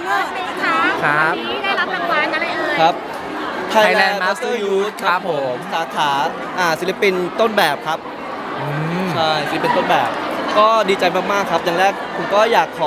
ครับวันนี้ได้รับรางวัลอะไรเอ่ยครับ Thailand Master Youth ครับผมสาขาศิลปินต้นแบบครับใช่ศิลปินต้นแบบ ก็ดีใจมากๆครับอย่างแรกผมก็อยากขอ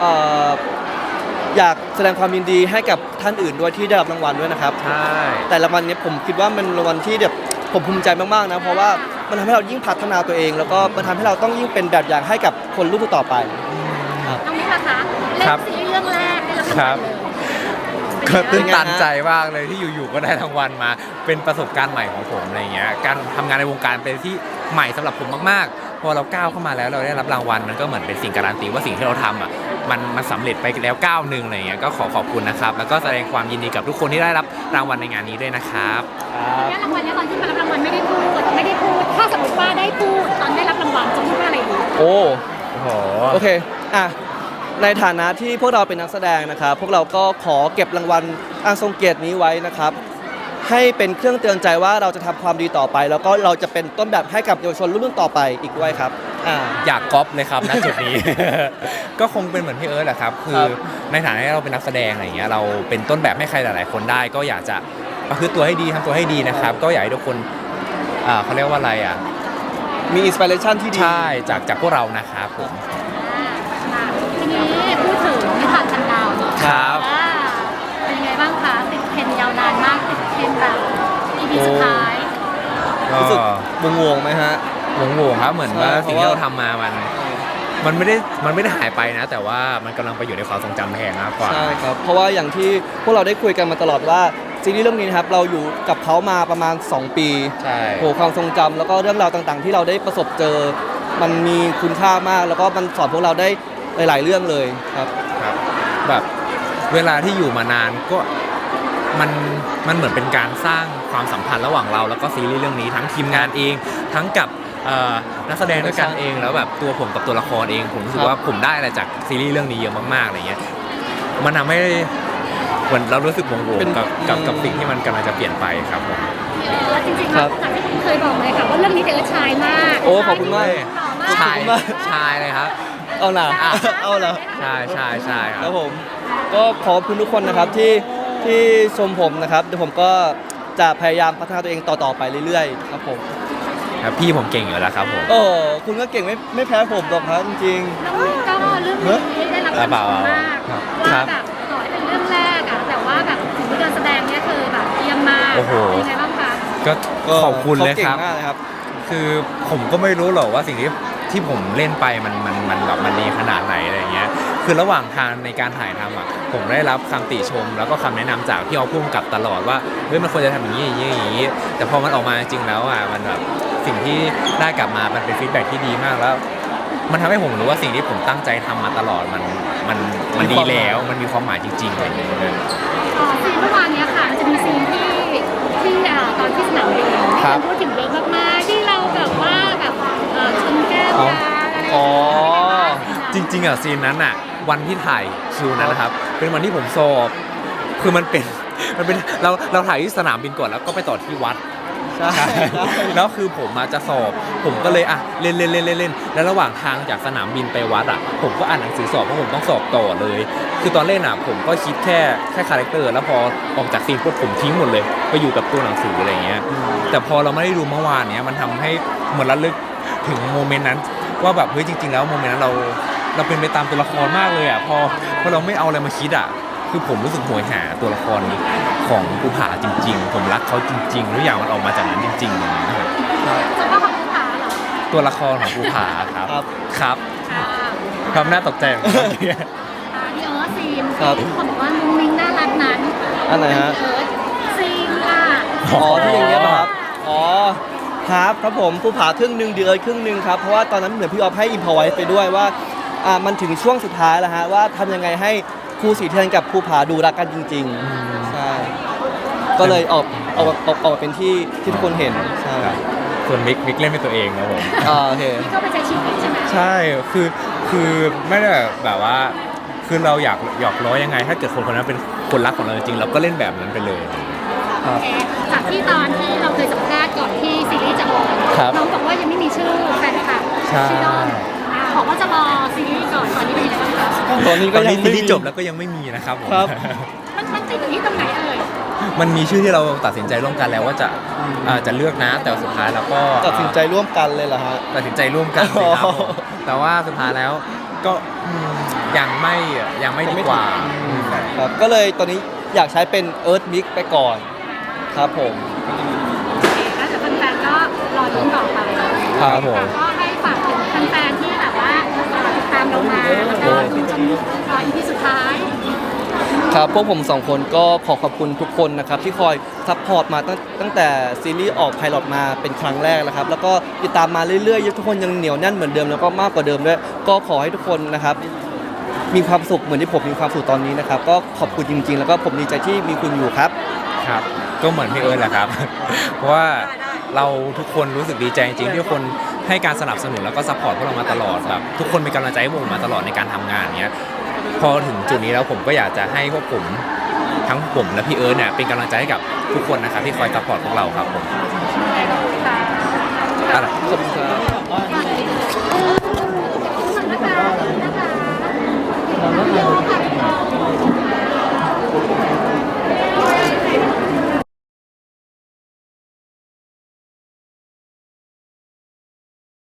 อยากแสดงความยินดีให้กับท่านอื่นด้วยที่ได้รับรางวัลด้วยนะครับใช่แต่รางวัลนี้ผมคิดว่ามันรางวัลที่แบบผมภูมิใจมากๆนะเพราะว่ามันทำให้เรายิ่งพัฒนาตัวเอง แล้วก็มันทำให้เราต้องยิ่งเป็นแบบอย่างให้กับคนรุ่นต่อไปครับน้องมิกล่ะคะเล่นซีรีส์เรื่องแรกได้รับรางวัลเลยก็ตื้นตันใจมากเลยที่อยู่ๆก็ได้รางวัลมาเป็นประสบการณ์ใหม่ของผมอะไรเงี้ยการทำงานในวงการเป็นที่ใหม่สำหรับผมมากๆพอเราก้าวเข้ามาแล้วเราได้รับรางวัลมันก็เหมือนเป็นสิ่งการันตีว่าสิ่งที่เราทำอ่ะมันสำเร็จไปแล้วก้าวหนึ่งอะไรเงี้ยก็ขอบคุณนะครับแล้วก็แสดงความยินดีกับทุกคนที่ได้รับรางวัลในงานนี้ด้วยนะครับได้รางวัลเนี่ยตอนที่มารับรางวัลไม่ได้พูดถ้าสมมติว่าได้พูดตอนได้รับรางวัลจะพูดว่าอะไรดีโอ้โหโอเคในฐานะที่พวกเราเป็นนักแสดงนะครับพวกเราก็ขอเก็บรางวัลอันทรงเกียรตินี้ไว้นะครับให้เป็นเครื่องเตือนใจว่าเราจะทำความดีต่อไปแล้วก็เราจะเป็นต้นแบบให้กับเยาวชนรุ่นต่อไปอีกด้วยครับอยากก๊อปเลยครับณจุดนี้ ก็คงเป็นเหมือนพี่เอิร์ธแหละครับคือในฐานะที่เราเป็นนักแสดงอะไรอย่างเงี้ยเราเป็นต้นแบบให้ใครหลายๆคนได้ก็อยากจะประพฤติตัวให้ดีทำตัวให้ดีนะครับก็อยากให้ทุกคนเขาเรียกว่าอะไรมีอินสปิเรชันที่ดีใช่จากพวกเรานะครับผมทีนี้พูดถึงนิทานพันดาวครับเป็นยังไงบ้างคะติดเทรนด์ยาวนานมากติดเทรนด์แบบ EP สุดท้ายรู้สึกงงไหมฮะงงครับเหมือนว่าสิ่งที่เราทำมามันไม่ได้หายไปนะแต่ว่ามันกำลังไปอยู่ในความทรงจำแทนมากกว่าใช่ครับเพราะว่าอย่างที่พวกเราได้คุยกันมาตลอดว่าซีรีส์เรื่องนี้นะครับเราอยู่กับเขามาประมาณ2 ปีใช่โหความทรงจำแล้วก็เรื่องราวต่างๆที่เราได้ประสบเจอมันมีคุณค่ามากแล้วก็มันสอนพวกเราได้หลายๆเรื่องเลยครับแบบเวลาที่อยู่มานานก็มันเหมือนเป็นการสร้างความสัมพันธ์ระหว่างเราแล้วก็ซีรีส์เรื่องนี้ทั้งทีมงานเองทั้งกับนักแสดงด้วยกันเองแล้วแบบตัวผมกับตัวละครเองผมรู้สึกว่าผมได้อะไรจากซีรีส์เรื่องนี้เยอะมากๆอะไรเงี้ยมันทำให้เหมือนเรารู้สึกงงๆกับสิ่งที่มันกำลังจะเปลี่ยนไปครับผมจริงๆแล้วจากที่ผมเคยบอกเลยค่ะว่าเรื่องนี้เป็นชายมากโอ้ขอบคุณมากชายเลยครับเอาล่ะใช่ครับผมก็ขอบคุณทุกคนนะครับที่ชมผมนะครับเดี๋ยวผมก็จะพยายามพัฒนาตัวเองต่อไปเรื่อยๆครับผมครับพี่ผมเก่งอยู่แล้วครับผมคุณก็เก่งไม่แพ้ผมหรอกครับจริงๆก็เรื่องนี้ได้รับการชมมากว่าแบบต่อให้เป็นเรื่องแรกแต่ว่าแบบถึงการแสดงเนี่ยคือแบบเยี่ยมมากเป็นไงบ้างคะก็ขอบคุณเลยครับคือผมก็ไม่รู้หรอกว่าสิ่งที่ผมเล่นไปมันแบบมันดีขนาดไหนอะไรเงี้ยคือระหว่างทางในการถ่ายทำผมได้รับคำติชมแล้วก็คำแนะนำจากพี่พุ่มกับตลอดว่าเฮ้ยมันควรจะทำอย่างนี้แต่พอมันออกมาจริงแล้วมันแบบสิ่งที่ได้กลับมามันเป็นฟีดแบ็กที่ดีมากแล้วมันทำให้ผมรู้ว่าสิ่งที่ผมตั้งใจทำมาตลอดมันดีแล้วมันมีความหมายจริงๆอะไรอย่างเงี้ยซีนเมื่อวานนี้ค่ะมันจะมีซีนที่ตอนที่สนามบินพูดถึงเยอะมากๆที่เราแบบว่าแบบชนแก้วกันจริงๆซีนนั้นวันที่ถ่ายคิวนั้นนะครับเป็นวันที่ผมสอบคือมันเป็นเราถ่ายที่สนามบินก่อนแล้วก็ไปต่อที่วัดใช่แล้วคือผมจะสอบผมก็เลยเล่นแล้วระหว่างทางจากสนามบินไปวัดผมก็อ่านหนังสือสอบเพราะผมต้องสอบต่อเลยคือตอนเล่นผมก็คิดแค่คาแรคเตอร์แล้วพอออกจากซีนปุ๊บผมทิ้งหมดเลยไปอยู่กับตัวหนังสืออะไรเงี้ยแต่พอเราไม่ได้ดูเมื่อวานเนี้ยมันทำให้เหมือนระลึกถึงโมเมนต์นั้นว่าแบบเฮ้ยจริงๆแล้วโมเมนต์นั้นเราเป็นไปตามตัวละครมากเลยพอเราไม่เอาอะไรมาคิดคือผมรู้สึกโหยหาตัวละครของภูผาจริงๆผมรักเขาจริงๆทุกอย่างมันออกมาจากนั้นจริงๆเลยนะครับตัวของภูผาเหรอตัวละครของภูผาครับความน่าตกใจของเขาเนี่ยพี่เอิร์ธซีนที่คนบอกว่ามุ้งมิ้งน่ารักนั้นอันไหนฮะซีนที่อย่างเงี้ยครับครับผมภูผาครึ่งนึงเดือนครึ่งนึงครับเพราะว่าตอนนั้นเหมือนพี่ออฟให้อิมพอไว้ไปด้วยว่ามันถึงช่วงสุดท้ายแล้วฮะว่าทำยังไงให้ครูสีเทียนกับภูผาดูรักกันจริงๆใช่ก็เลยออกเป็นที่ทุกคนเห็นใช่ส่วนมิกเล่นเป็นตัวเองนะผมโอเคก็ไปใช้ชีวิตใช่ไหมใช่คือไม่ได้แบบว่าคือเราอยากหยอกล้อยังไงถ้าเกิดคนนั้นเป็นคนรักของเราจริงเราก็เล่นแบบนั้นไปเลยจากที่ตอนที่เราเคยสัมภาษณ์ก่อนที่ซีรีส์จะออนน้องบอกว่ายังไม่มีชื่อแฟนคลับชื่อน้องบอกว่าจะรอซีรีส์ก่อนตอนนี้เป็นยังไงบ้างคะตอนนี้ตก็อนยันี้งซีไม่รีมีส์จบแล้วก็ยังไม่มีนะครับผมครับมันติดอยู่ที่ตรงไหนเอ่ยมันมีชื่อที่เราตัดสินใจร่วมกันแล้วว่าจะเลือกนะแต่สุดท้ายแล้วก็ตัดสินใจร่วมกันเลยเหรอฮะตัดสินใจร่วมกันสิครับอ๋อผมแต่ว่าสุดท้ายแล้วก็ยังไม่ดีกว่าครับก็เลยตอนนี้อยากใช้เป็น Earth Mix ไปก่อนครับผมแล้วเดี๋ยวแฟนๆก็รอลุ้นต่อไปครับผมก็ให้ฝากถึงแฟนๆที่แบบว่าติดตามเรามาแล้วก็จนEP สุดท้ายครับพวกผมสองคนก็ขอขอบคุณทุกคนนะครับที่คอยซัพพอร์ตมาตั้งแต่ซีรีส์ออกไพลอตมาเป็นครั้งแรกนะครับแล้วก็ติดตามมาเรื่อยๆทุกคนยังเหนียวแน่นเหมือนเดิมแล้วก็มากกว่าเดิมด้วยก็ขอให้ทุกคนนะครับมีความสุขเหมือนที่ผมมีความสุขตอนนี้นะครับก็ขอบคุณจริงๆ แล้วก็ผมดีใจที่มีคุณอยู่ครับครับก็เหมือนพี่เอิร์ธแหละครับ เพราะว่าเราทุกคนรู้สึกดีใจจริงๆที่ทุกคนให้การสนับสนุนแล้วก็ซัพพอร์ตพวกเรามาตลอดแบบทุกคนเป็นกำลังใจให้ผมมาตลอดในการทำงานเนี้ยพอถึงจุดนี้แล้วผมก็อยากจะให้พวกผมทั้งผมและพี่เอิร์ธเนี่ยเป็นกำลังใจให้กับทุกคนนะครับที่คอยซัพพอร์ตพวกเราครับผมค่ะอะไรขอบคุณครับ